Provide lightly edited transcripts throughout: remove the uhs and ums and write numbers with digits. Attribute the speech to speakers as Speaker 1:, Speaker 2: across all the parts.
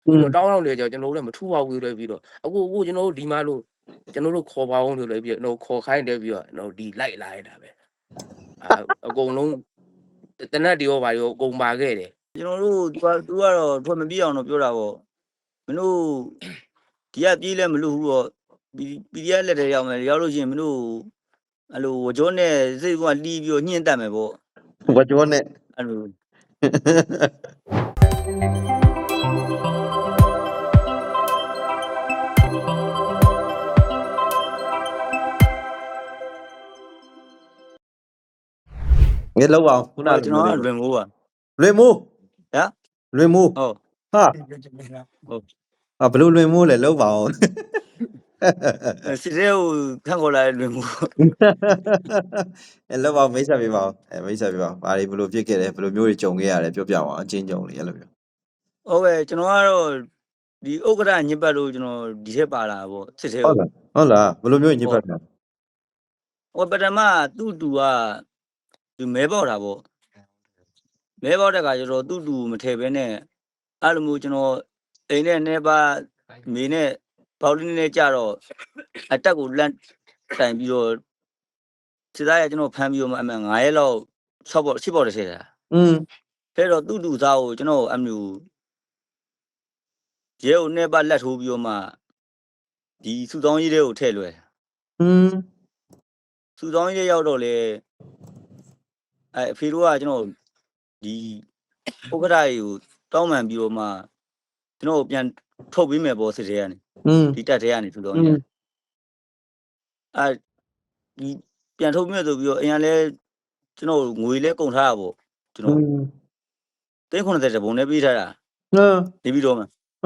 Speaker 1: တောင်းတော့လေကျွန်တော်တို့လည်းမထူပါဘူးလေပြီးတော့အခုကျွန်တော်တို့ဒီမှာလို့ကျွန်တော်တို့ခေါ်ပါအောင်ဆိုလည်းပြီးတော့ခေါ်ခိုင်းတယ်ပြီးတော့ကျွန်တော်ဒီလိုက်လာရတာပဲအကုန်လုံးတနက်တွေရောပါရောအကုန်ပါခဲ့တယ်
Speaker 2: ကျွန်တော်တို့သူကတော့ထွက်မပြေးအောင်တော့ပြောတာပေါ့မင်းတို့ဒီကပြေးလဲမလို့ဘူးတော့PDFလက်ထဲရောက်မယ်ရောက်လို့ရှိရင်မင်းတို့အဲ့လိုဝကြောနဲ့စိတ်ကတီးပြီးတော့ညှင်းတက်မယ်ပေါ့
Speaker 3: ဝကြောနဲ့
Speaker 2: အဲ့လို
Speaker 3: ငယ်လောက်အောင်ခုနက
Speaker 2: ကျွန်တော်လွင်မိုးပါ
Speaker 3: လွင်မိုး
Speaker 2: ဟမ်
Speaker 3: လွင်မိုး
Speaker 2: ဟုတ်
Speaker 3: ဟာဘလို့လွင်မိုးလဲလောက်ပါအောင်
Speaker 2: စစ်တဲ့ကိုခန့်ခေါ်လာတဲ့လွင်မိုး
Speaker 3: လောက်ပါမိတ်ဆက်ပေးပါဦးမိတ်ဆက်ပေးပါဘာတွေဘလို့ဖြစ်ခဲ့တယ်ဘလို့မျိုးတွေကြုံခဲ့ရတယ်ပြောပြပါအချင်းကြုံလေးအဲ့လိုမျိုး
Speaker 2: ဟုတ်ကဲ့ကျွန်တော်ကတော့ဒီဥက္ကဋ္ဌညစ်ပတ်လို့ကျွန်တော်ဒီထက်ပါလာပေါ့စစ်တဲ့
Speaker 3: ဟုတ်လားဘလို့မျိုးညစ်ပတ်တာ
Speaker 2: ဟိုပထမသူ့တူကဒီမဲပေါက်တာပေါ့မဲပေါက်တဲ့ခါကျတော့သူ့တူမထည့်ဘဲနဲ့အဲ့လိုမျိုးကျွန်တော်အိမ်နဲ့နေပါမေနဲ့ပေါက်လေးနဲ့ကြတော့အတက်ကိုလန့်တိုင်ပြီးတော့စစ်သားရကျွန်တော်ဖမ်းပြီးတော့အမှ9ရက်လောက်6ပေါက်10ပေါက်တည်းထည့်တာအဲ့တော့သူ့တူသားကိုကျွန်တော်အမျိုးရဲကိုနေပါလက်ထိုးပြီးတော့မှဒီစုဆောင်ကြီးတွေကိုထည့်လွယ်စုဆောင်ကြီးရောက်တော့လေအဖေတို့ကကျွန်တော်ဒီဥက္ကဋ္ဌကြီးကိုတောင်းပန်ပြီးတော့မှကျွန်တော်ပြန်ထုတ်ပေးမယ်ပေါ့စစ်ထဲကနေဒီတက်ထဲကနေစုဆောင်ကြီးဒီပြန်ထုတ်မြဲဆိုပြီးတော့အရင်လဲကျွန်တော်ငွေလဲကုန်ထားတာပေါ့ကျွန်တော်390တဘုံနဲ့ပေးထားတာနေပြီးတော့မှ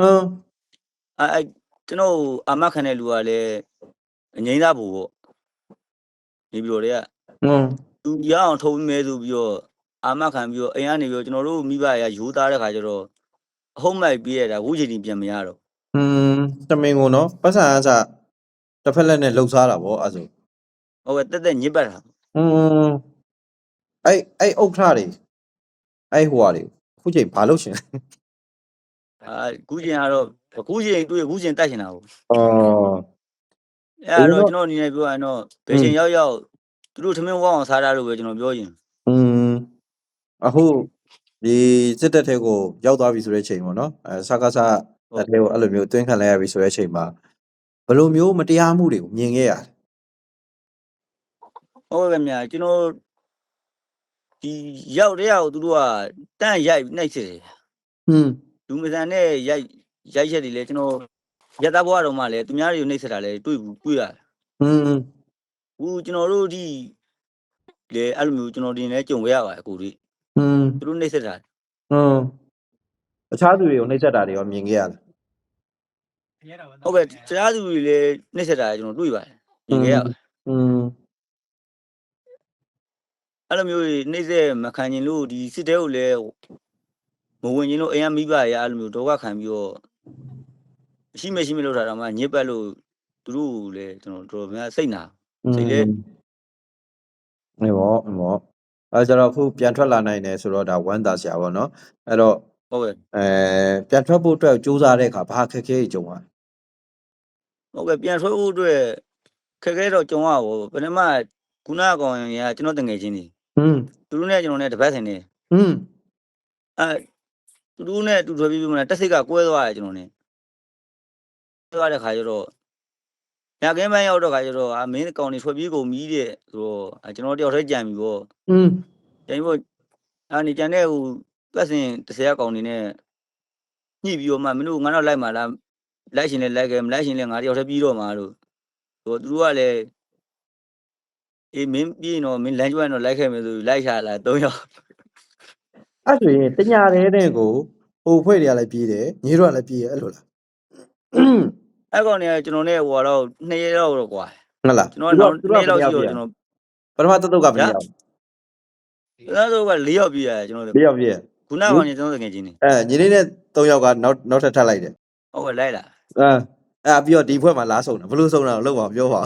Speaker 2: ကျွန်တော်အာမခံတဲ့လူကလည်းအငိမ့်သားဖို့ပေါ့နေပြီးတော့တည်းကသူရအောင်ထုတ်မြဲဆိုပြီးတော့အာမခံပြီးတော့အိမ်ကနေပြီးတော့ကျွန်တော်တို့မိဘရရိုးသားတဲ့ခါကျတော့အဟုတ်မိုက်ပြီးရတာဝုချိန်ကြီးပြန်မရတော့
Speaker 3: တမင်ကိုနော်ပတ်စံအစတစ်ဖက်လက်နဲ့လှုပ်ရှားတာဗောအဲ့ဆို
Speaker 2: ဟုတ်ကဲ့တက်ညစ်ပတ်တာ
Speaker 3: အဲ့ဥက္ခရတွေအဲ့ဟိုဟာတွေခုချိန်ဘာလို့ရှင်
Speaker 2: ခုချိန်ကတော့ခုချိန်တွေ့ခုချိန်တက်ရှင်တာဟုတ်
Speaker 3: အဲ့
Speaker 2: တော့ကျွန်တော်အနေနဲ့ပြောရရင်တော့ဘယ်ချိန်ရောက်သူတို့ထမင်းဝအောင်စားတာလို့ပဲကျွန်တော်ပြောရင်
Speaker 3: အခုဒီစစ်တပ်ထဲကိုရောက်သွားပြီဆိုတဲ့ချိန်ပေါ့နော်စကားစတဲ့ထဲကိုအဲ့လိုမျိုးတွင်းခံလိုက်ရပြီဆိုတဲ့ချိန်မှာဘယ်လိုမျိုးမတရားမှုတွေကိုမြင်ခဲ့ရလဲ
Speaker 2: ဟုတ်ကဲ့မြာကျွန်တော်ဒီရောက်တဲ့ရောက်သူတို့ကတန့်ရိုက်နှိုက်စစ်တယ်လူမဆန်နဲ့ရိုက်ချက်တွေလဲကျွန်တော်ရတဘွားတော်မှလဲသူများတွေကိုနှိပ်စက်တာလဲတွေ့ရတယ်ဘူးကျွန်တော်တို့ဒီလေအဲ့လိုမျိုးကျွန်တော်တင်လဲကြုံခဲ့ရပါတယ်အခုဒီသူတို့နှိပ်စက်တာ
Speaker 3: အခြားသူတွေကိုနှိပ်စက်တာတွေရောမြင်ခဲ့ရလား
Speaker 2: ဟုတ်ကဲ့အခြားသူတွေလည်းနှိပ်စက်တာကျွန်တော်တွေ့ပါတယ်မြင်ခဲ့ရပါတယ်အဲ့လိုမျိုးနှိပ်စက်မခံရင်လို့ဒီစစ်တဲကိုလည်းမဝင်ရင်လို့အိမ်ကမိဘရအဲ့လိုမျိုးဒုက္ခခံပြီးတော့ရှိမလို့ထားတာမှညစ်ပတ်လို့သူတို့လည်းကျွန်တော်တော်များစိတ်နာစိတ်လဲ
Speaker 3: နေပေါ့အဲကျတော့ခုပြန်ထွက်လာနိုင်တယ်ဆိုတော့ဒါဝမ်းသာစရာပေါ့နော်အဲ့တော့
Speaker 2: ဟုတ်ကဲ့
Speaker 3: ပြန်ထွက်ဖို့အတွက်စူးစမ်းတဲ့အခါဘာခက်ခဲကြုံရ
Speaker 2: ဟုတ်ကဲ့ပြန်ထွက်ဖို့အတွက်ခက်ခဲတော့ကြုံရပါဘူးပထမခုနကောင်ရကျွန်တော်တငယ်ချင်းနေသူတို့နဲ့ကျွန်တော်နဲ့တပတ်ဆင်နေသူတို့နဲ့တူထွက်ပြီးမှတက်စိတ်ကကွဲသွားတယ်ကျွန်တော်နဲ့သွားတဲ့ခါကျတော့ညကင်းပိုင်းရောက်တော့ခါကျတော့မင်းကောင်တွေထွက်ပြေးကုန်ပြီတဲ့ဆိုတော့ကျွန်တော်တယောက်တည်းကြံပြီပေါ့ကြံပြီပေါ့နေကြံတဲ့ဟိုပတ်စင်30ကောင်တွေနဲ့ညှိပြီးတော့မှမင်းတို့ငါတော့လိုက်မှာလားလိုက်ရှင်လဲလိုက်ခဲ့မလိုက်ရှင်လဲငါတယောက်တည်းပြီးတော့မှာလို့ဆိုတော့သူတို့ကလည်းမင်းပြီးရင်တော့မင်းလမ်းကျွမ်းတော့လိုက်ခဲ့မယ်ဆိုလိုက်ချလာ3ယောက်
Speaker 3: အဲ့ဆိုရင်တညာတဲ့တဲ့ကိုဟိုဖွဲ့တွေကလည်းပြေးတယ်ညီတို့ကလည်းပြေးရအဲ့လိုလား
Speaker 2: အဲ့ကောင်တွေကကျွန်တော်နဲ့ဟိုတော့2ရက်တော့ကွာ
Speaker 3: ဟုတ်လား
Speaker 2: ကျွန်တော်နောက်2ရက်လောက်ရှိတော့ကျွန်တော်
Speaker 3: ပထမတုတ်ကဘယ်ရောက်
Speaker 2: အဲ့တော့က4ယောက်ပြေးရတယ်ကျွန်တော်
Speaker 3: 4ယောက်ပြေး
Speaker 2: ခုနကောင်ကြီးကျွန်တော်ငယ်ချင်းနေ
Speaker 3: ညီလေးနဲ့3ယောက်ကနောက်ထပ်ထပ်လိုက်တယ်
Speaker 2: ဟုတ်ကဲ့လိုက်လာ
Speaker 3: အဲ့ပြီးတော့ဒီဖွဲ့မှာလာဆုံတာဘလို့ဆုံတာလောက်ပါပြောပါ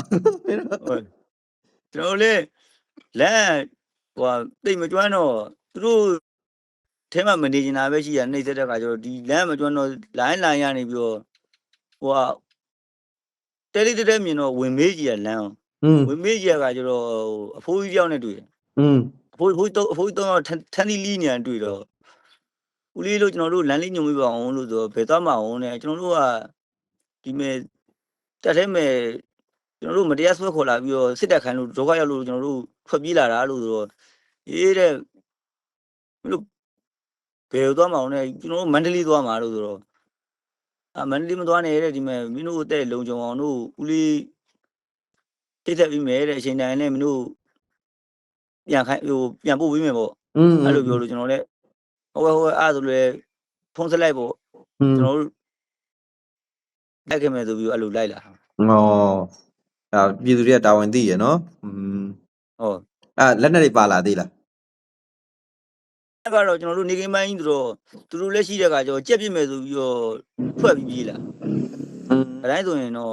Speaker 2: ကျွန်တော်လေလမ်းဟိုတိတ်မကျွမ်းတော့သူတို့ထဲမှာမနေချင်တာပဲရှိရနှိမ့်ဆက်တဲ့ခါကျတော့ဒီလမ်းမကျွမ်းတော့လိုင်းရနေပြီးတော့ဟိုတဲလေးတဲမြင်တော့ဝင်မေးကြီးရလမ်း
Speaker 3: อืม
Speaker 2: ဝင်မေးကြီးရကကျတော့အဖိုးကြီးတယောက်နဲ့တွေ့တယ်
Speaker 3: อืม
Speaker 2: အဖိုးကြီးတော့ထန်းလီလီနေတွေ့တော့ဦးလေးတို့ကျွန်တော်တို့လမ်းလေးညွှန်ပြပါအောင်လို့ဆိုတော့ဘယ်သွားမအောင်နဲ့ကျွန်တော်တို့ကဒီမဲ့တက်ထဲမဲ့ကျွန်တော်တို့မတရားဆွဲခေါ်လာပြီးတော့စစ်တပ်ခိုင်းလို့ဒုက္ခရောက်လို့ကျွန်တော်တို့ထွက်ပြေးလာတာလို့ဆိုတော့အေးတဲ့ဘယ်လိုဘယ်သွားမအောင်နဲ့ကျွန်တော်တို့မန္တလေးသွားမှာလို့ဆိုတော့မန္တလေးမသွားနဲ့တဲ့ဒီမဲ့မင်းတို့တဲ့လုံကြုံအောင်တို့ဦးလေးတိတ်တက်ပြီးမယ်တဲ့အချိန်တိုင်းနဲ့မင်းတို့ပြန်ခိုင်းပြန်ပို့ပေးမယ်ပေါ့
Speaker 3: อืม
Speaker 2: အဲ့လိုပြောလို့ကျွန်တော်လည်းဟုတ်ကဲ့အဲ့ဒါဆိုလည်းဖုန်းဆက်လိုက်ပေါ့
Speaker 3: อืม
Speaker 2: ကျွန်တော်တို့လိုက်ခဲ့မယ်ဆိုပြီးအဲ့လိုလိုက်လာ
Speaker 3: ဩအာပြည်သူတွေကတာဝန်သိရနော်อืม
Speaker 2: ဟုတ်
Speaker 3: လက်နဲ့တွေပါလာသေးလား
Speaker 2: အဲ့ကတော့ကျွန်တော်တို့နေကိန်းပိုင်းကြီးဆိုတော့သူတို့လည်းရှိတဲ့အခါကျတော့ကြက်ပြစ်မယ်ဆိုပြီးတော့ထွက်ပြီးပြေးလာ
Speaker 3: อืม
Speaker 2: အတိုင်းဆိုရင်တော့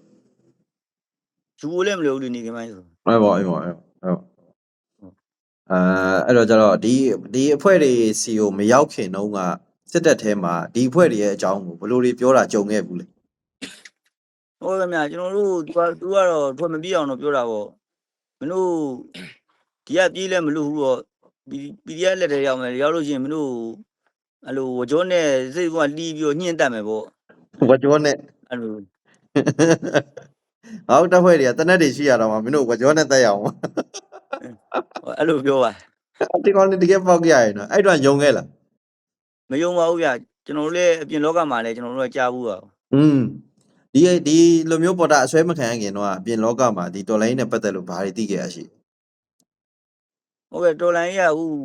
Speaker 2: ယူလည်းမလို့လေနေကိန်းပိုင်းဆို
Speaker 3: အဲ့ပေါ့အဲ့တော့ကျတော့ဒီအဖွဲ့တွေစီကိုမရောက်ခင်တုန်းကစစ်တပ်ထဲမှာဒီအဖွဲ့တွေရဲ့အကြောင်းကိုဘယ်လိုတွေပြောတာကြုံခဲ့ဘူးလဲ
Speaker 2: ဟုတ်ကဲ့မြကျွန်တော်တို့သူကတော့ထွက်မပြေးအောင်တော့ပြောတာပေါ့မင်းတို့ဒီကပြေးလဲမလို့ဘူးတော့PDFလက်ထဲရောက်မယ်ရောက်လို့ရှိရင်မင်းတို့အဲ့လိုဝကြောနဲ့စိတ်ကတီးပြီးတော့ညှင်းတက်မယ်ပေါ့
Speaker 3: ဝကြောနဲ့
Speaker 2: အဲ့လို
Speaker 3: ဟောက်တပ်ဖွဲ့တွေကတနက်တွေရှိရတော့မှမင်းတို့ဝကြောနဲ့တက်ရအောင်
Speaker 2: အဲ့လိုပြောပါ
Speaker 3: ဒီကောင်တွေတကယ်ပေါက်ကြရရင်နော်အဲ့တော့ယုံခဲ့လား
Speaker 2: မယုံပါဘူးဗျကျွန်တော်တို့လည်းအပြင်လောကမှာလည်းကျွန်တော်တို့ကကြားဘူးပါ
Speaker 3: ဒီလိုမျိုးပေါ်တာအဆွဲမခံရခင်တော့အပြင်လောကမှာဒီတော်လိုင်းနဲ့ပတ်သက်လို့ဘာတွေသိခဲ့ရရှိ
Speaker 2: ဟုတ်ကဲ့တော်လိုင်းရဦး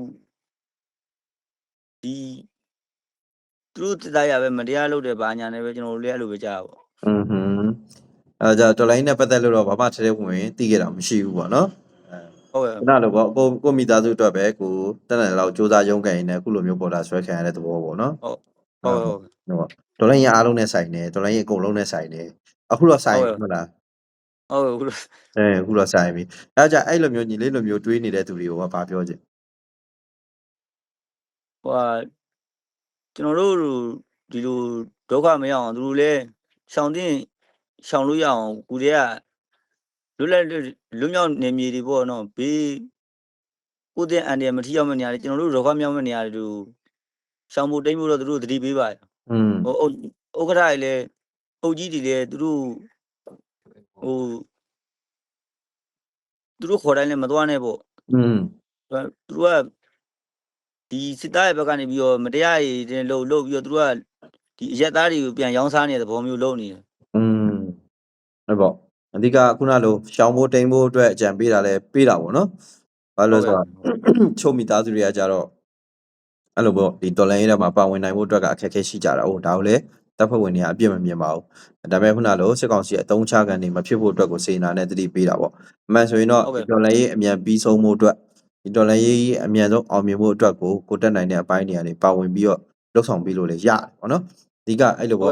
Speaker 2: ဒီသူတို့တရားရပဲမတရားလုပ်တယ်ဘာညာနဲ့ပဲကျွန်တော်တို့လည်းအဲ့လိုပဲကြားပါ
Speaker 3: အဲကြတော်လိုင်းနဲ့ပတ်သက်လို့တော့ဘာမှထဲထဲဝင်သိခဲ့တာမရှိဘူးပေါ့နော်
Speaker 2: ဟုတ်ကဲ့
Speaker 3: ခုနလိုပေါ့ကိုမိသားစုအတွက်ပဲကိုတက်တယ်လောက်စူးစမ်းရုန်းကန်နေအခုလိုမျိုးပေါ်တာဆွဲခံရတဲ့သဘောပေါ့နော်
Speaker 2: ဟုတ်
Speaker 3: တော်လိုင်းရအားလုံးနဲ့ဆိုင်တယ်တော်လိုင်းရအကုန်လုံးနဲ့ဆိုင်တယ်အခုတော့ဆိုင်ဟုတ်လား
Speaker 2: ဟုတ်
Speaker 3: အခုတော့ဆိုင်ပြီအဲကြအဲ့လိုမျိုးညီလေးလိုမျိုးတွေးနေတဲ့သူတွေကိုကဘာပြောချင်
Speaker 2: ဟိုကျွန်တော်တို့ဒီလိုဒုက္ခမရအောင်သူတို့လည်းရှောင်လို့ရအောင်ကိုတည်းကလွတ်မြောက်နေမြေတွေပေါ့နော်ဘေးကိုတဲ့အန်တယ်မထီရောက်မနေရတယ်ကျွန်တော်တို့ဒုက္ခမြောက်မနေရတယ်သူရှောင်ဖို့တိတ်ဖို့တော့သူတို့သတိပေးပါဟိုဥက္ကဋ္ဌတွေလည်းအုပ်ကြီးတွေလည်းသူတို့ခေါ်တိုင်းလည်းမသွားနဲ့ပေါ့သူတို့ကဒီစစ်သားရဲ့ဘက်ကနေပြီးတော့မတရားရည်တင်လုပ်ပြီးတော့သူတို့ကဒီအရက်သားတွေကိုပြန်ရောင်းစားနေတဲ့သဘောမျိုးလုပ်နေတယ်
Speaker 3: ဟုတ်ပေါ့အဓိကခုနလိုရှောင်းဖို့တိမ်ဖို့အတွက်အကြံပေးတာလဲပေးတာပေါ့နော်ဘာလို့လဲဆိုတော့ချုပ်မိသားစုတွေကကြတော့အဲ့လိုပေါ့ဒီတော်လိုင်းရဲမှာပါဝင်နိုင်ဖို့အတွက်ကအခက်အခဲရှိကြတာဟုတ်ဒါကိုလည်းတပ်ဖွဲ့ဝင်တွေကအပြစ်မမြင်ပါဘူးဒါပေမဲ့ခုနလိုစစ်ကောင်စီအတုံးချကန်နေမဖြစ်ဖို့အတွက်ကိုစေနာနဲ့တတိပေးတာပေါ့အမှန်ဆိုရင်တော့ဒီတော်လိုင်းရဲအမြန်ပြီးဆုံးဖို့အတွက်ဒီတော်လိုင်းရဲအမြန်ဆုံးအောင်မြင်ဖို့အတွက်ကိုတက်နိုင်တဲ့အပိုင်းတွေကနေပါဝင်ပြီးတော့လှုပ်ဆောင်ပြီးလို့လည်းရတယ်ပေါ့နော်အဓိကအဲ့လိုပေါ့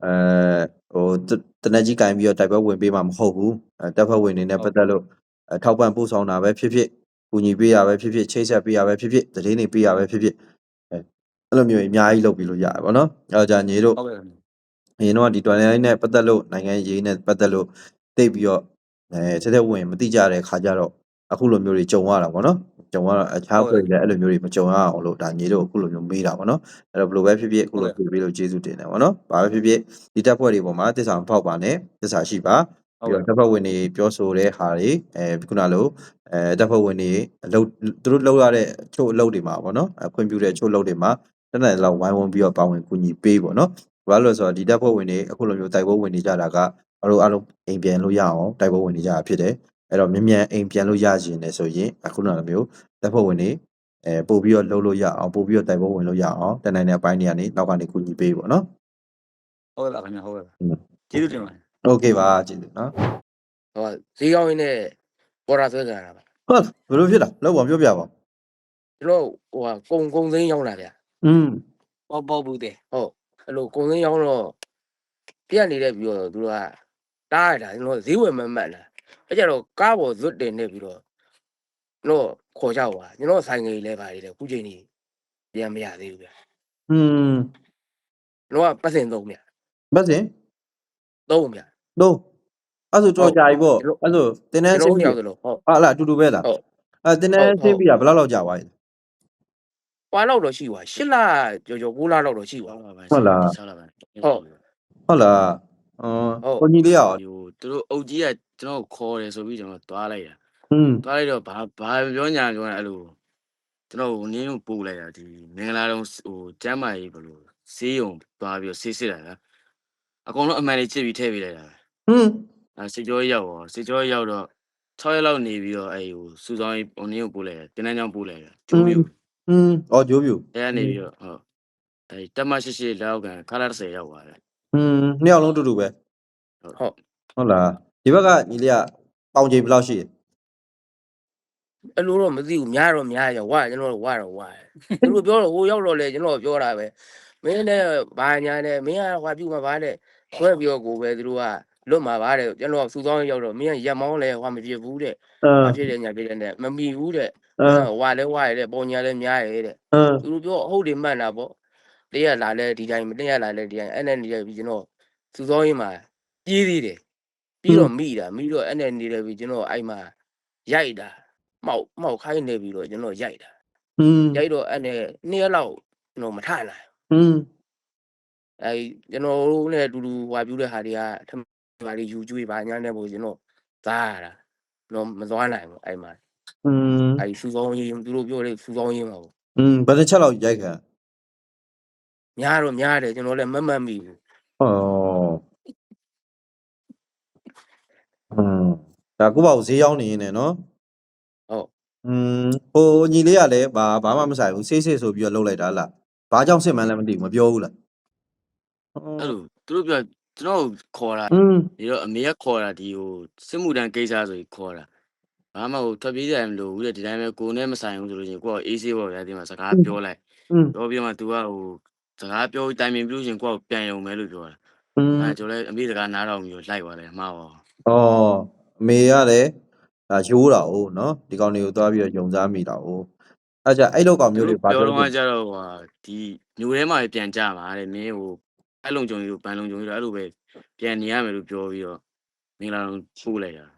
Speaker 3: တနက်ကြီးကင်ပြီးတော့တိုက်ပွဲဝင်ပေးမှာမဟုတ်ဘူးတပ်ဖွဲ့ဝင်တွေနဲ့ပတ်သက်လို့ထောက်ပံ့ပို့ဆောင်တာပဲဖြစ်ဖြစ်ကူညီပေးရပဲဖြစ်ဖြစ်ချိတ်ဆက်ပေးရပဲဖြစ်ဖြစ်သတင်းတွေပေးရပဲဖြစ်ဖြစ်အဲ့လိုမျိုးအများကြီးလုပ်ပြီးလို့ရတယ်ဗောနော်အဲ့တော့じゃညီတို့အရင်တော့ဒီတော်လိုင်းနဲ့ပတ်သက်လို့နိုင်ငံရေးနဲ့ပတ်သက်လို့သိပြီးတော့ဆက်သက်ဝင်မသိကြတဲ့ခါကြတော့အခုလိုမျိုးတွေကြုံရတာဗောနော်ကြုံရတော့အခြားဖွဲ့တွေလည်းအဲ့လိုမျိုးတွေမကြုံရအောင်လို့ဒါညီတို့အခုလိုမျိုးမေးတာဗောနော်အဲ့တော့ဘယ်လိုပဲဖြစ်ဖြစ်အခုလိုပြေးပြီးလို့ကျေးဇူးတင်တယ်ဗောနော်ဘာပဲဖြစ်ဖြစ်ဒီတပ်ဖွဲ့တွေပေါ်မှာတစ္ဆာမဖောက်ပါနဲ့တစ္ဆာရှိပါပြီးတော့တပ်ဖွဲ့ဝင်တွေပြောဆိုတဲ့ဟာတွေခုနလိုတပ်ဖွဲ့ဝင်တွေအလုပ်သူတို့လုပ်ရတဲ့ချို့အလုပ်တွေမှာဗောနော်ခွင့်ပြုတဲ့ချို့အလုပ်တွေမှာတနက်လောက်ဝိုင်းဝန်းပြီးတော့ပါဝင်ကူညီပေးဗောနော်ဘာလို့လဲဆိုတော့ဒီတပ်ဖွဲ့ဝင်တွေအခုလိုမျိုးတိုက်ပွဲဝင်နေကြတာကအားလုံးအိမ်ပြန်လို့ရအောင်တိုက်ပွဲဝင်နေကြတာဖြစ်တယ်အဲ့တော့မြန်အိမ်ပြန်လို့ရရင်လည်းဆိုရင်အခုလိုမျိုးတပ်ဖွဲ့ဝင်တွေပို့ပြီးတော့လှုပ်လို့ရအောင်ပို့ပြီးတော့တိုက်ပွဲဝင်လို့ရအောင်တနိုင်တဲ့အပိုင်းတွေကနေနောက်ကနေကူညီပေးဗောနော်
Speaker 2: ဟုတ်ကဲ့ပါခင်ဗျဟုတ်ကဲ့ပါကျေးဇူးတင်ပါတယ်
Speaker 3: โอเคပါကျေးဇူးနော်
Speaker 1: ဟောဈေးကောင်းရင်းနဲ့ပေါ်တာဆွဲကြတာပါ
Speaker 3: ဟုတ်ဘယ်လိုဖြစ်တာလောက်ပါပြောပြပါ
Speaker 1: ကျွန်တော်ဟိုကုံသိန်းရောက်လာဗျာပေါ့ဘူးတဲ့ဟုတ်အဲ့လိုကုံသိန်းရောက်တော့ပြက်နေတဲ့ပြီးတော့သူတို့ကတားရတာကျွန်တော်ဈေးဝယ်မမှတ်လားအဲ့ကြတော့ကားပေါ်ဇွတ်တင်နေပြီးတော့ကျွန်တော်ခေါ်ကြပါကျွန်တော်ဆိုင်ငယ်လေးလဲပါတယ်ခုချိန်ကြီးပြန်မရသေးဘူးဗျ
Speaker 3: ကျွန်
Speaker 1: ကျွန်တော်ကပတ်စင်သုံးဗျ
Speaker 3: မစင်
Speaker 1: သုံးဗျ
Speaker 3: တော့အဲ့ဆိုတော့ကြာပြီပေါ့
Speaker 1: ကျွန်တော်
Speaker 3: အဲ့ဆိုတင်းတန်း
Speaker 1: ကျွန်
Speaker 3: ဆ
Speaker 1: တော်
Speaker 3: င်း
Speaker 1: တို့
Speaker 3: ပြီ
Speaker 1: ရောက်သလိုဟုတ်
Speaker 3: ဟာလားအတူတူပဲလား
Speaker 1: ဟုတ်
Speaker 3: အဲ့တင်းတန်းဆင်းပြီကဘယ်လောက်ကြာသွားပြီ
Speaker 1: ပွားလောက်တော့ရှိသွား8လကျော်ကျော်9လလောက်တော့ရှိသွား
Speaker 3: ဟုတ်လား
Speaker 2: 6လပိုင်း
Speaker 1: ဟုတ်
Speaker 3: ဟုတ်လားကိုကြီးလေးရော
Speaker 2: ဟိုသူတို့အုပ်ကြီးကကျွန်တော်ခေါ်တယ်ဆိုပြီးကျွန်တော်သွားလိုက်တာ သွားလိုက်တော့ဘာပြောညာပြောနေအဲ့လိုကျွန်တော်နင်းကိုပို့လိုက်တာဒီမင်္ဂလာတုံးဟိုကျမ်းမာရေးဘလို့ဆေးရုံသွားပြီးဆေးစစ်တာကအကုန်လုံးအမှန်လေးချစ်ပြီးထည့်ပေးလိုက်တာစစ်ကြောရောက်တော့6ရက်လောက်နေပြီးတော့အဲ့ဟိုစူဆောင်းရေးနင်းကိုပို့လိုက်တယ်တင်းတန်းချောင်းပို့လိုက်တယ်ကျိုးပြူ
Speaker 3: ဂျိုးပြူ
Speaker 2: အဲ့ကနေပြီးတော့ဟုတ်အဲ့တက်မရှိလောက်ကန်ခါလာ30ရောက်သွားတယ်
Speaker 3: နှစ်ယောက်လုံးတူတူပဲ
Speaker 1: ဟုတ်
Speaker 3: ဟုတ်လားဒီဘက်ကညီလေးကပေါင်ချိန်ဘယ်လောက်ရှိလဲ
Speaker 1: အဲ့လိုတော့မသိဘူးများတော့များရဝါကျွန်တော်တို့ဝါတော့ဝါသူတို့ပြောတော့ဟိုရောက်တော့လေကျွန်တော်ပြောတာပဲမင်းနဲ့ဘာညာနဲ့မင်းကဟွာပြုတ်မှာဗာတဲ့ခွဲပြောကိုပဲသူတို့ကလွတ်မှာဗာတဲ့ကျွန်တော်စူဆောင်းရောက်တော့မင်းကရက်မောင်းလဲဟွာမဖြစ်ဘူးတဲ့ဘာဖြစ်လဲညာဖြစ်တယ်နဲ့မမီဘူးတဲ့ဝါလဲဝါရတဲ့ပုံညာလဲများရတဲ့သူတို့ပြောဟုတ်တယ်မှန်တာပေါ့တရက်လာလဲဒီတိုင်းတရက်လာလဲဒီတိုင်းအဲ့နဲ့နေရပြီကျွန်တော်စူဆောင်းရေးမှာပြေးသေးတယ်ပြီးတော့မိတော့အဲ့နဲ့နေတယ်ပြီကျွန်တော်အဲ့မှာရိုက်တာမောက်ခိုင်းနေပြီးတော့ကျွန်တော်ရိုက်တာရိုက်တော့အဲ့နဲ့2ရက်လောက်ကျွန်တော်မထနိုင်အဲ့ကျွန်တော်တို့နဲ့အတူတူဟွာပြူတဲ့ဟာတွေကထမပါလေးယူကျွေးပါညာနဲ့ပို့ကျွန်တော်သားရတာကျွန်တော်မသွားနိုင်ဘူးအဲ့မှာအဲ့စူဆောင်းရေးသူတို့ပြောတယ်စူဆောင်းရေးမှာပေါ့
Speaker 3: ဘယ်တစ်ချက်လောက်ရိုက်ခံ
Speaker 1: များတော့များတယ်ကျွန်တော်လည်းမမှတ်မိဘူး
Speaker 3: ဒါကိုပေါ့ဈေးရောက်နေရင်နော်
Speaker 1: ဟုတ်
Speaker 3: ဟိုညီလေးကလည်းဘာမှမဆိုင်ဘူးဆေးဆိုပြီးတော့လှုပ်လိုက်တာလားဘာကြောင့်စစ်မှန်းလည်းမသိဘူးမပြောဘူးလား
Speaker 2: အဲ့လိုသူတို့ပြောကျွန်တော်ခေါ်တာဒီတော့အမေကခေါ်တာဒီဟိုစစ်မှုတန်းကိစ္စဆိုပြီးခေါ်တာဘာမှဟိုထွက်ပြေးကြမလို့ဘူးတဲ့ဒီတိုင်းပဲကိုနဲ့မဆိုင်ဘူးဆိုလို့ချင်းကိုကအေးဆေးပေါ့ဗျာဒီမှာစကားပြောလိုက်ပြောပြီးမှ तू ကဟိုစကားပြောတိုင်ပင်ပြီးလို့ချင်းကိုကပြန်ရုံပဲလို့ပြောတာအဲ့ကျွန်တော်လည်းအမေစကားနားတော့ပြီးတော့လိုက်သွားတယ်မှားပါ
Speaker 3: အမေကလည်းရိုးတာ哦နော်ဒီကောင်တွေကိုသွားပြီးတော့ယုံစားမိတာ哦အဲ့ကြအဲ့လောက်ကောင်မျိုးတွေဘာ
Speaker 2: ပြော
Speaker 3: ပြော
Speaker 2: တော့ကြတော့ဟာဒီမျိုးထဲမှာပြန်ကြမှာတဲ့မင်းဟိုအဲ့လုံကြုံကြီးကိုပန်းလုံကြုံကြီးတော့အဲ့လိုပဲပြန်နေရမယ်လို့ပြောပြီးတော့မင်္ဂလာတော်ပို့လိုက်တာ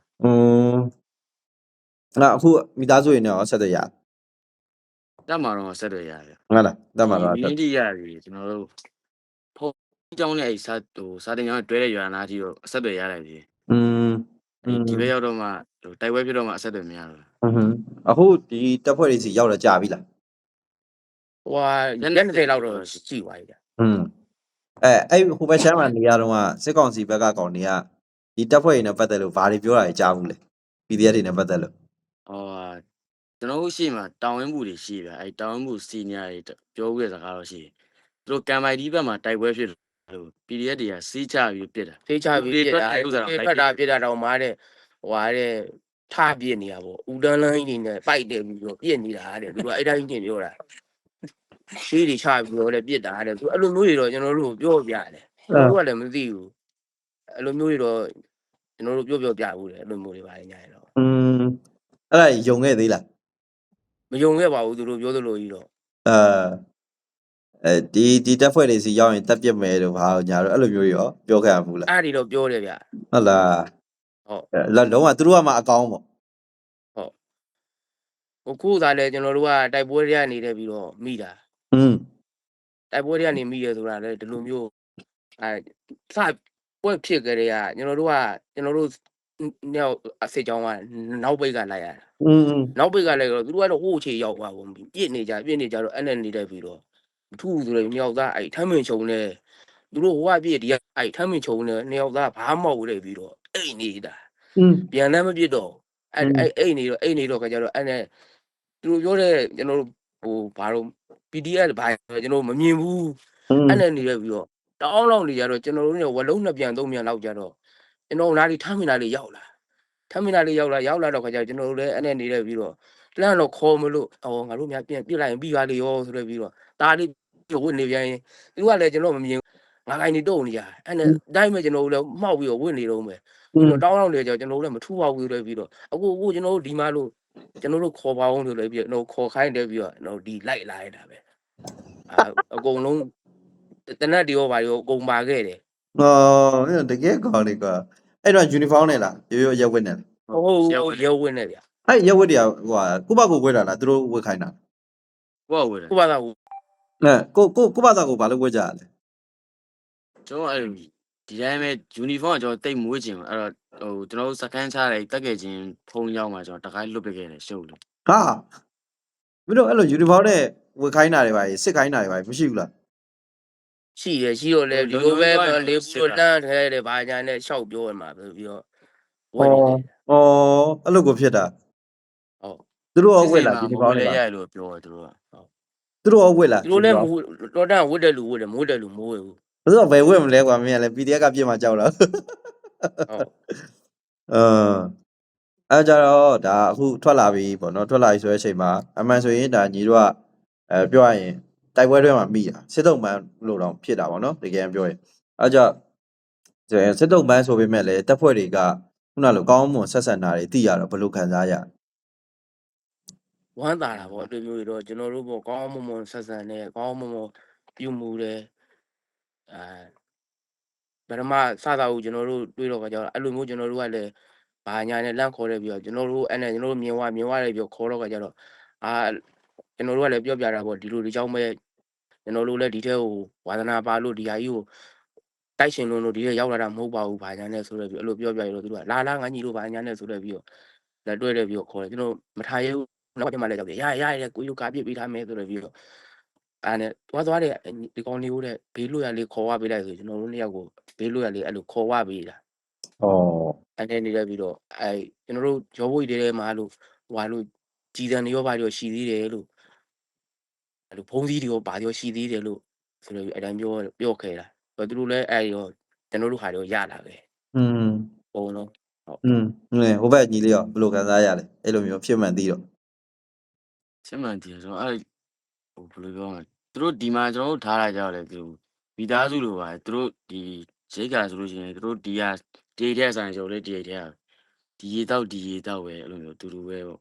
Speaker 3: အခုမိသားစုရင်းနဲ့ရောဆက်သွယ်ရ
Speaker 2: တက်မှာတော့ဆက်သွယ်ရတယ်
Speaker 3: ဟုတ်လားတက်မှာတော့
Speaker 2: ဒီနေ့တိရပြီကျွန်တော်တို့ဖုန်းကြောင်းနဲ့အဲ့စာတင်ကြောင်းတွဲတဲ့ရွာနာကြီးကိုအဆက်သွယ်ရလိုက်ပြီဒီဘက်ရောက်တော့မှတိုက်ပွဲဖြစ်တော့မှအဆက်သွယ်မရတော့
Speaker 3: အခုဒီတက်ဖွဲ့တွေစီရောက်တော့ကြာပြီလား
Speaker 1: ဟွာရက်20လောက်တော့ရှိသွားပြီဗျ
Speaker 3: အဲ့ဟိုဘက်ချမ်းမှာနေရတော့စစ်ကောင်စီဘက်ကကောင်တွေကဒီတက်ဖွဲ့တွေနဲ့ပတ်သက်လို့ဘာတွေပြောတာတွေကြားဘူးလဲ PDF တွေနဲ့ပတ်သက်လို့
Speaker 2: ကျွန်တော်တို့ရှိမှာတောင်ဝင်းမှုတွေရှိဗျအဲ့တောင်ဝင်းမှုစီနီယာတွေပြောခဲ့စကားတော့ရှိသူတို့ကံမိုင်ဒီဘက်မှာတိုက်ပွဲဖြစ်လို့ PDF တွေကစီးချပြီးပြစ်တာ
Speaker 1: ဖေးချပြီးပြစ်တာဖတ်တာပြစ်တာတော့မားတဲ့ဟွာတဲ့ထပြစ်နေတာပေါ့ဦးတန်းလန်းကြီးနေနဲ့ပိုက်တယ်ပြီးတော့ပြစ်နေတာတဲ့သူကအဲ့တိုင်းပြင်ပြောတာရှေးတွေချပြီးတော့လည်းပြစ်တာတဲ့သူအဲ့လိုမျိုးတွေတော့ကျွန်တော်တို့ပြောပြတယ်ကျွန်တော်တို့ကလည်းမသိဘူးအဲ့လိုမျိုးတွေတော့ကျွန်တော်တို့ပြောပြဘူးတယ်အဲ့လိုမျိုးတွေပါညာရတော့
Speaker 3: အဲ့ဒါယုံခဲ့သေးလား
Speaker 1: မယုံခဲ့ပါဘူးသူတို့ပြောသလိုကြီးတော့
Speaker 3: ဒီတက်ဖွဲ့တွေစီရောက်ရင်တက်ပြစ်မယ်လို့ဘာညာတော့အဲ့လိုမျိုးရောပြောခဲ့ရဘူးလား
Speaker 1: အဲ့ဒီတော့ပြောတယ်ဗျ
Speaker 3: ဟုတ်လား
Speaker 1: ဟုတ်
Speaker 3: လုံးဝသူတို့ကမှအကောင်းပေါ့
Speaker 1: ဟိုခုသာလဲကျွန်တော်တို့ကတိုက်ပွဲတွေကနေတယ်ပြီးတော့မိတာတိုက်ပွဲတွေကနေမိရဆိုတာလဲဒီလိုမျိုးစပွဲဖြစ်ကြတဲ့ကကျွန်တော်တို့နောက်အစစ်ကြောင်းကနောက်ပိတ်ကလိုက်ရတာနောက်ပိတ်ကလိုက်တော့သူတို့ကတော့ဟိုးချေရောက်သွားကုန်ပြီပြစ်နေကြတော့အဲ့နဲ့နေတယ်ပြီးတော့ထူးဆိုတော့မြောက်သားအဲ့ထမ်းမင်ချုံနေသူတို့ဟိုကပြစ်ဒီကအဲ့ထမ်းမင်ချုံနေမြောက်သားဘာမှမဟုတ်လေပြီးတော့အိတ်နေတာပြန်လည်းမပြစ်တော့အဲ့အိတ်နေတော့ခါကြတော့အဲ့နဲ့သူတို့ပြောတဲ့ကျွန်တော်တို့ဟိုဘာလို့ PDF ဘာကျွန်တော်မမြင်ဘူးအဲ့နဲ့နေရပြီးတော့တောင်းလောက်နေကြတော့ကျွန်တော်တို့เนี่ยဝလုံး2ပြန်3ပြန်လောက်ကြတော့ကျွန်တော်နားလေးထမ်းမင်နာလေးရောက်လာတော့ခါကြကျွန်တော်တို့လည်းအဲ့နဲ့နေရပြီးတော့လမ်းတော့ခေါ်မလို့ငါတို့များပြန်ပြစ်လိုက်ရင်ပြီးပါလေရောဆိုတော့ပြီးတော့ဒါလေးဝစ်နေပြန်ရင်သူကလည်းကျွန်တော်မမြင်ငါကိုင်းနေတုံနေကြအဲ့နဲ့တိုင်းမဲ့ကျွန်တော်တို့လည်းမှောက်ပြီးတော့ဝစ်နေတော့မယ်တောင်းလောက်နေကြကျွန်တော်တို့လည်းမထူပါဘူးဆိုပြီးတော့အခုကျွန်တော်တို့ဒီမှာလို့ကျွန်တော်တို့ခေါ်ပါအောင်ဆိုလည်းပြီးတော့ခေါ်ခိုင်းတယ်ပြီးတော့ဒီလိုက်လာရတာပဲအကုန်လုံးတနက်တွေရောဘာရောအကုန်ပါခဲ့တယ်
Speaker 3: တကယ်ကောင်းလေကွာအဲ့တော့ uniform နဲ့လားရိုးရက်ဝတ်နဲ့လား
Speaker 1: ဟုတ်ရုပ်ဝင်နေဗျာ
Speaker 3: အဲ့ရက်ဝတ်တွေကဟိုဟာကိုဘကိုဝတ်တာလားသူတို့ဝတ်ခိုင်းတာ
Speaker 2: ကိုယ့်ဝယ်တယ်
Speaker 1: ကိုပါသားကို
Speaker 3: ကိုဘသားကိုဘာလို့ဝတ်ကြရလဲ
Speaker 2: ကျွန်တော်အဲ့ဒီတိုင်းပဲ uniform ကကျွန်တော်တိတ်မွေးချင်ဘူးအဲ့တော့ဟိုကျွန်တော်စကန်ချတယ်တက်ခဲ့ချင်းဖုံးရောက်မှာကျွန်တော်တခိုင်းလွတ်ပခဲ့တယ်ရှုပ်လို့
Speaker 3: ဟာမင်းတို့အဲ့လို uniform နဲ့ဝတ်ခိုင်းတာတွေပါစစ်ခိုင်းတာတွေပါမရှိဘူးလား
Speaker 1: ရှိတယ်ရှိတော့လေဒီလိုပဲလေးဘူးတော့တန်းထဲတယ်ဘာညာနဲ့ရှောက်ပြောရမှာပြီးတော့ဝတ်နေတယ်
Speaker 3: အဲ့လိုကိုဖြစ်တာ
Speaker 1: ဟုတ်
Speaker 3: သူတို့ရောဝတ်လား uniform
Speaker 2: လေ
Speaker 3: တွေပါ
Speaker 2: ရလို့ပြောတယ်သူတို့က
Speaker 3: သူတို့ရောဝတ်လား
Speaker 1: ဒီလိုလဲတော်တန်းဝတ်တယ်လူဝတ်တယ်မိုးတယ်လူမိုးရဘူး
Speaker 3: ဘယ်တော့ဘယ်ဝတ်မလဲကွာမင်းကလည်း PDF ကပြစ်မှာကြောက်လား
Speaker 1: ဟုတ်
Speaker 3: အဲ့ကြတော့ဒါအခုထွက်လာပြီပေါ့နော်ထွက်လာပြီဆိုတဲ့အချိန်မှာအမှန်ဆိုရင်ဒါညီတို့ကပြောရရင်တိုက်ပွဲတွေမှာမိတာစစ်တုံးပန်းလို့တော့ဖြစ်တာပေါ့နော်တကယ်ပြောရင်အဲ့ကြစစ်တုံးပန်းဆိုပေမဲ့လည်းတပ်ဖွဲ့တွေကခုနလိုကောင်းမွန်ဆက်ဆံတာတွေသိရတော့ဘယ်လိုခံစားရ
Speaker 1: ဝမ်းသာတာပေါ့အတွေ့မျိုးတွေတော့ကျွန်တော်တို့ပေါ့ကောင်းမွန်မွန်ဆက်ဆံနေကောင်းမွန်မွန်ပြုမှုတယ်ဗရမစတာကိုကျွန်တော်တို့တွေးတော့ကြတော့အဲ့လိုမျိုးကျွန်တော်တို့ကလည်းဘာညာနဲ့လန့်ခေါ်တယ်ပြီးတော့ကျွန်တော်တို့အဲ့နဲ့ကျွန်တော်တို့မြင်ဝတယ်ပြီးခေါ်တော့ကြတော့ကျွန်တော်တို့ကလည်းပြောပြတာပေါ့ဒီလိုဒီကြောင့်ပဲကျွန်တော်တို့လည်းဒီထဲကိုဝါသနာပါလို့ဒီဟာကြီးကိုတိုက်ရှင်လို့ဒီထဲရောက်လာတာမဟုတ်ပါဘူးဘာညာနဲ့ဆိုတော့ပြီးအဲ့လိုပြောပြရတော့သူကလာငါညီတို့ဘာညာနဲ့ဆိုတော့ပြီးတော့လက်တွဲတယ်ပြီးတော့ခေါ်တယ်ကျွန်တော်မထားရဘူးနောက်ပြန်မှလည်းကြောက်တယ်ရကိုယူကာပြစ်ပေးထားမယ်ဆိုတော့ပြီးတော့အဲ့နဲ့သွားတယ်ဒီကောင်လေးကိုတဲ့ဘေးလွတ်ရလေးခေါ်ဝပေးလိုက်ဆိုကျွန်တော်တို့နှစ်ယောက်ကိုဘေးလွတ်ရလေးအဲ့လိုခေါ်ဝပေးတာ အဲ့နဲ့နေရပြီးတော့ကျွန်တော်တို့ရောဘွေတွေထဲမှာလို့ဟွာလို့ကြည်တန်တွေရောဘာတွေရောရှိသေးတယ်လို့အဲ့လိုဖုံးစည်းတွေရောဘာတွေရောရှိသေးတယ်လို့ဆိုတော့အဲ့တိုင်းပြောခဲ့တာသူတို့လည်းအဲ့ရောကျွန်တော်တို့ဟာတွေရလာပဲပုံလုံးဟုတ်
Speaker 3: ဟိုဘက်ညီလေးရောဘယ်လိုခံစားရလဲအဲ့လိုမျိုးဖြစ်မှန်သိတော့
Speaker 2: ချင်းမှန်တယ်ကျွန်တော်အဲ့ဟိုဘယ်လိုပြောမလဲသူတို့ဒီမှာကျွန်တော်တို့ထားလာကြတယ်သူမိသားစုလိုပါသူတို့ဒီရိတ်ကဆိုလို့ရှိရင်သူတို့ဒီကတေးတဲ့ဆိုင်ဆိုလေတေးတဲ့ဒီရေတောက်ပဲအဲ့လိုမျိုးတူတူပဲပေါ့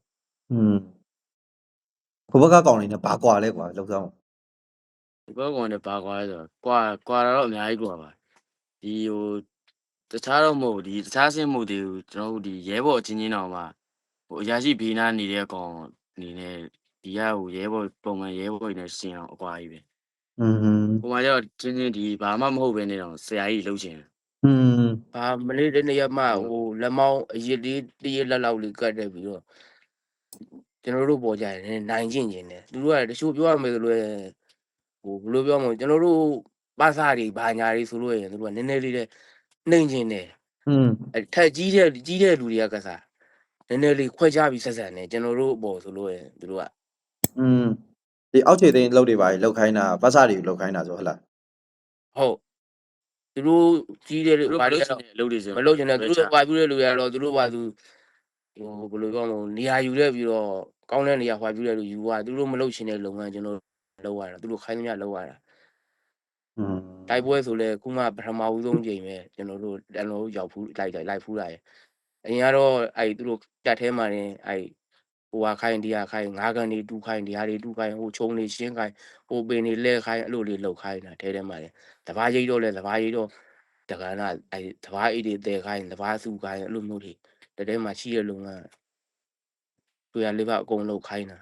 Speaker 3: ဟိုဘက်ကကောင်လေးနဲ့ဘာကွာလဲကွာလောက်ဆောင်
Speaker 2: ဒီဘက်ကောင်နဲ့ပါကွာလဲဆိုတော့ကွာတော့အများကြီးကွာပါဒီဟိုတခြားတော့မဟုတ်ဒီတခြားဆင်းမှုတွေကျွန်တော်တို့ဒီရဲဘော်ချင်းချင်းတော်မှာဟိုအရာရှိဘေးနားနေတဲ့ကောင်အနေနဲ့ဒီကဟိုရဲဘော်ပုံမှန်ရဲဘော်တွေနဲ့ရှင်းအောင်အကွာကြီးပဲဟိုမှာကျတော့ချင်းချင်းဒီဘာမှမဟုတ်ပဲနေတော့ဆရာကြီးလှုပ်ချင်
Speaker 1: ဘာမလေးတဲ့နေရာမှာဟိုလက်မောင်းအရစ်လေးတရလက်လောက်လေးကတ်တယ်ပြီးတော့ကျွန်တော်တို့ပေါ်ကြတယ်နိုင်ကျင်နေတယ်သူတို့ကတချို့ပြောရမယ်ဆိုလို့ဟိုဘယ်လိုပြောမလဲကျွန်တော်တို့ပါစာတွေဘာညာတွေဆိုလို့ရင်သူတို့ကနည်းနည်းလေးနဲ့နှိမ့်ကျင်တယ်ထက်ကြီးတဲ့လူတွေကကစားနည်းနည်းလေးခွဲခြားပြီးဆက်ဆံတယ်ကျွန်တော်တို့ပေါ်ဆိုလို့ရင်သူတို့က
Speaker 3: ဒီအောက်ခြေသိန်းလောက်တွေပါလောက်ခိုင်းတာပတ်စတွေလောက်ခိုင်းတာဆိုဟုတ်လား
Speaker 1: ဟုတ်သူတို့ကြီးတဲ့ဘာတွေ
Speaker 2: အလုပ်တွေဆို
Speaker 1: မလုပ်ချင်တဲ့သူတို့ပါပြတဲ့လူတွေကတော့သူတို့ပါသူဟိုဘယ်လိုပြောမလဲနေရာယူတဲ့ပြီးတော့ကောင်းတဲ့နေရာဟွာပြတဲ့လူယူသွားသူတို့မလုပ်ချင်တဲ့လုပ်ငန်းကျွန်တော်လုပ်ရတာသူတို့ခိုင်းသမျှလုပ်ရတာတိုက်ပွဲဆိုလဲခုမှပထမဦးဆုံးချိန်ပဲကျွန်တော်တို့ရောက်ဖူးလိုက်ဖူးလာရဲ့အရင်ကတော့သူတို့တက်ထဲမှာနေဟိုဟာခိုင်းဒီဟာခိုင်းငါးကန်တွေတူးခိုင်းဒီဟာတွေတူးခိုင်းဟိုချုံတွေရှင်းခိုင်းဟိုပင်တွေလဲခိုင်းအဲ့လိုလေးလှုပ်ခိုင်းတာထဲမှာလေတဘာရိတ်တော့လဲတဘာရိတ်တော့တက္ကနာတဘာအိတ်တွေတဲခိုင်းတဘာစုခိုင်းအဲ့လိုမျိုးတွေတဲမှာရှိရလုံကတွေ့ရလေးပါအကုန်လှုပ်ခိုင်းတာ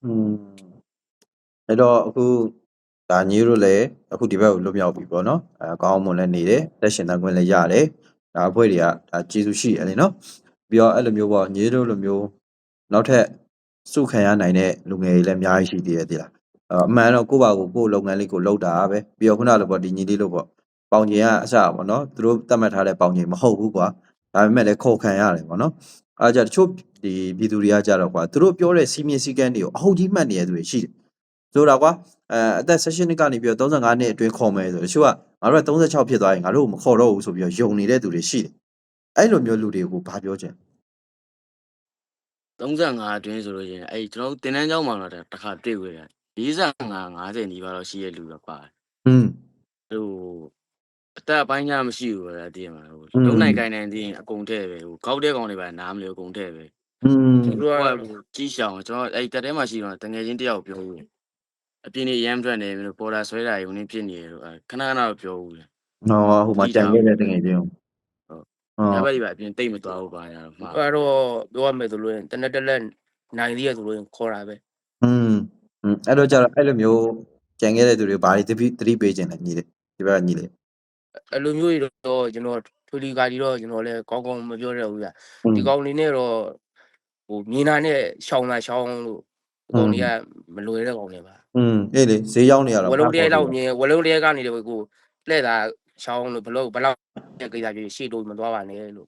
Speaker 3: အဲ့တော့အခုဒါညီတို့လည်းအခုဒီဘက်ကိုလွတ်မြောက်ပြီပေါ့နော်ကောင်းမွန်လည်းနေတယ်လက်ရှင်တန်ခွင့်လည်းရတယ်ဒါအဖွဲ့တွေကဒါကျေးဇူးရှိတယ်လေနော်ပြီးတော့အဲ့လိုမျိုးပေါ့ညီတို့လိုမျိုးနောက်ထပ်စုခံရနိုင်တဲ့လူငယ်တွေလည်းအများကြီးရှိသေးတယ်တိလားအမှန်တော့ကိုယ့်ဘာကိုလုပ်ငန်းလေးကိုလုပ်တာပဲပြီးတော့ခုနလိုပေါ့ဒီညီလေးလို့ပေါ့ပေါင်ချိန်ကအစပေါ့နော်သူတို့သတ်မှတ်ထားတဲ့ပေါင်ချိန်မဟုတ်ဘူးကွာဒါပေမဲ့လည်းခေါ်ခံရတယ်ပေါ့နော်အားကြတချို့ဒီပြည်သူတွေကကြတော့ကွာသူတို့ပြောတဲ့စီမင်းစည်းကမ်းတွေကိုအဟုတ်ကြီးမှတ်နေရသူတွေရှိတယ်ဆိုတာကွာအသက်16နှစ်ကနေပြီးတော့35နှစ်အတွင်းခေါ်မယ်ဆိုတချို့ကငါတို့က36ဖြစ်သွားရင်ငါတို့မခေါ်တော့ဘူးဆိုပြီးတော့ယုံနေတဲ့သူတွေရှိတယ်အဲ့လိုမျိုးလူတွေကိုဘာပြောချင်
Speaker 2: 35အတွင်းဆိုလို့ရှိရင်အဲ့ကျွန်တော်တင်တန်းကျောင်းမှာတော့တစ်ခါတွေ့ခွေတယ်45 50နီးပါးတော့ရှိရဲ့လူတော့ပါတယ်ဟိုအသက်အပိုင်းညာမရှိဘူးဗျာတည်မှာဟိုလုံးနိုင်ကိုင်းနိုင်တည်ရင်အကုန်ထဲပဲဟိုကောက်တဲ့ကောင်တွေပါနားမလဲအကုန်ထဲပဲသူတို့ကကြီးရှောင်ကျွန်တော်အဲ့တက်ထဲမှာရှိတော့တငယ်ချင်းတယောက်ပြောဘူး
Speaker 4: အပြင်းနေရမ်းထွက်နေပြီလို့ပေါ်လာဆွဲတာယူနေဖြစ်နေတယ်လို့ခဏခဏတော့ပြောဘူးလေ
Speaker 3: ဟောဟိုမှာကြံခဲ့တဲ့တကယ်ချင်း
Speaker 4: ညဘက်ကြီးပါအပြင်းတိတ်မသွားဘူးပါရတော့မှာ
Speaker 1: အဲ့တော့ပြောရမယ်ဆိုလို့ရင်တနက်တက်လက်နိုင်သေးရဆိုလို့ရင်ခေါ်တာပဲ
Speaker 3: အဲ့တော့ကျတော့အဲ့လိုမျိုးကြံခဲ့တဲ့သူတွေဘာတွေသတိပေးခြင်းလဲညီလေးဒီဘက်ကညီလေး
Speaker 1: အဲ့လိုမျိုးတွေတော့ကျွန်တော်ထွေလီကာကြီးတော့ကျွန်တော်လည်းကောင်းကောင်းမပြောရဘူးဗျဒီကောင်လေးနဲ့တော့ဟိုမြင်တာနဲ့ရှောင်းတာရှောင်းလို့ဒီကောင်လေးကမလွယ်တဲ့ကောင်လေးပါ
Speaker 3: အေးလေဈေးရောက်နေရတာ
Speaker 1: ဝလုံးတရားလောက်မြင်ဝလုံးတရားကနေတယ်ကိုလှည့်တာရှောင်းလို့ဘလောက်တဲ့ကိစ္စကြီးရှေ့တော့မသွားပါနဲ့လို့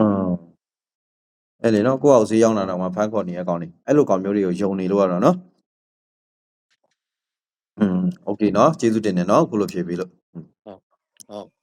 Speaker 3: အဲ့လေနော်ကိုယ့်အောင်ဈေးရောက်လာတော့မှဖန်ခေါ်နေရကောင်လေးအဲ့လိုကောင်မျိုးတွေကိုယုံနေလို့ရတော့နော်โอเคเนาะကျေးဇူးတင်တယ်เนาะခုလိုဖြေပေးလို့
Speaker 1: ဟုတ်